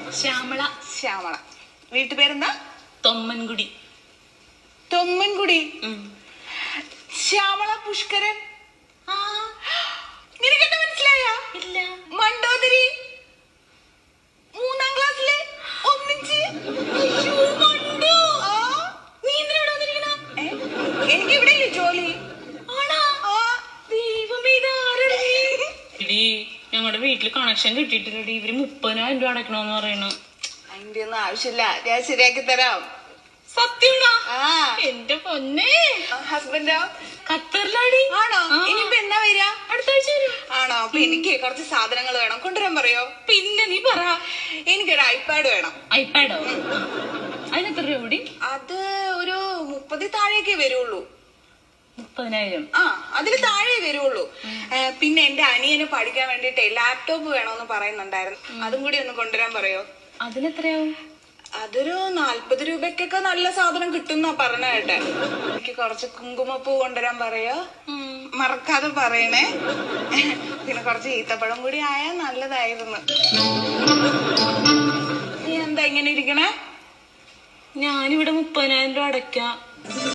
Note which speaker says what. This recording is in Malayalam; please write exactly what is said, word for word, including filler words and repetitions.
Speaker 1: ശ്യാമള.
Speaker 2: ശ്യാമള. വീട്ടുപേരെന്താ?
Speaker 1: തൊമ്മൻകുടി.
Speaker 2: തൊമ്മൻകുടി. ശ്യാമള പുഷ്കരൻ. നിനക്കെന്താ മനസ്സിലായ?
Speaker 1: ഇല്ല.
Speaker 2: മണ്ടോദരി. മൂന്നാം ക്ലാസ്സിലെ ഒന്നിച്ച്.
Speaker 1: നീ എന്തിനാ വന്നിരിക്കണ?
Speaker 2: എനിക്ക് ഇവിടെ ജോലി.
Speaker 1: ഞങ്ങളുടെ വീട്ടില് കണക്ഷൻ കിട്ടിയിട്ടില്ലടി. ഇവര് മുപ്പതിനായിരം രൂപ അടക്കണോന്ന് പറയണു.
Speaker 2: അതിന്റെ ഒന്നും ആവശ്യമില്ല, ഞാൻ ശരിയാക്കി തരാം.
Speaker 1: സത്യമാണോ?
Speaker 2: ആ
Speaker 1: എന്റെ പൊന്നെ.
Speaker 2: ഹസ്ബൻഡോ?
Speaker 1: ഖത്തറിലാടി.
Speaker 2: ആണോ? ഇനിയിപ്പോ എന്നാ വരിക?
Speaker 1: അടുത്ത ആഴ്ച വരും.
Speaker 2: ആണോ? അപ്പൊ എനിക്ക് കുറച്ച് സാധനങ്ങൾ വേണം, കൊണ്ടുവരാൻ പറയോ?
Speaker 1: പിന്നെ നീ പറ.
Speaker 2: എനിക്കൊരു ഐപാഡ് വേണം.
Speaker 1: ഐപാഡോ? അതിനെത്ര രൂപ കൂടി?
Speaker 2: അത് ഒരു മുപ്പതി താഴേക്കേ വരുള്ളൂ.
Speaker 1: മുപ്പതിനായിരം?
Speaker 2: ആ, അതില് താഴെ വരുള്ളൂ. പിന്നെ എന്റെ അനിയന് പഠിക്കാൻ വേണ്ടിട്ടേ ലാപ്ടോപ്പ് വേണോന്ന് പറയുന്നുണ്ടായിരുന്നു, അതും കൂടി ഒന്ന് കൊണ്ടുവരാൻ പറയോ?
Speaker 1: അതിനെത്രയാവും?
Speaker 2: അതൊരു നാല്പത് രൂപക്കൊക്കെ നല്ല സാധനം കിട്ടുന്ന പറഞ്ഞ കേട്ടെ. എനിക്ക് കുറച്ച് കുങ്കുമപ്പൂ കൊണ്ടുവരാൻ പറയോ? മറക്കാതെ പറയണേ. പിന്നെ കുറച്ച് ഈത്തപ്പഴം കൂടി ആയാൽ നല്ലതായിരുന്നു. നീ എന്താ ഇങ്ങനെ ഇരിക്കണേ?
Speaker 1: ഞാനിവിടെ മുപ്പതിനായിരം രൂപ അടയ്ക്കാം.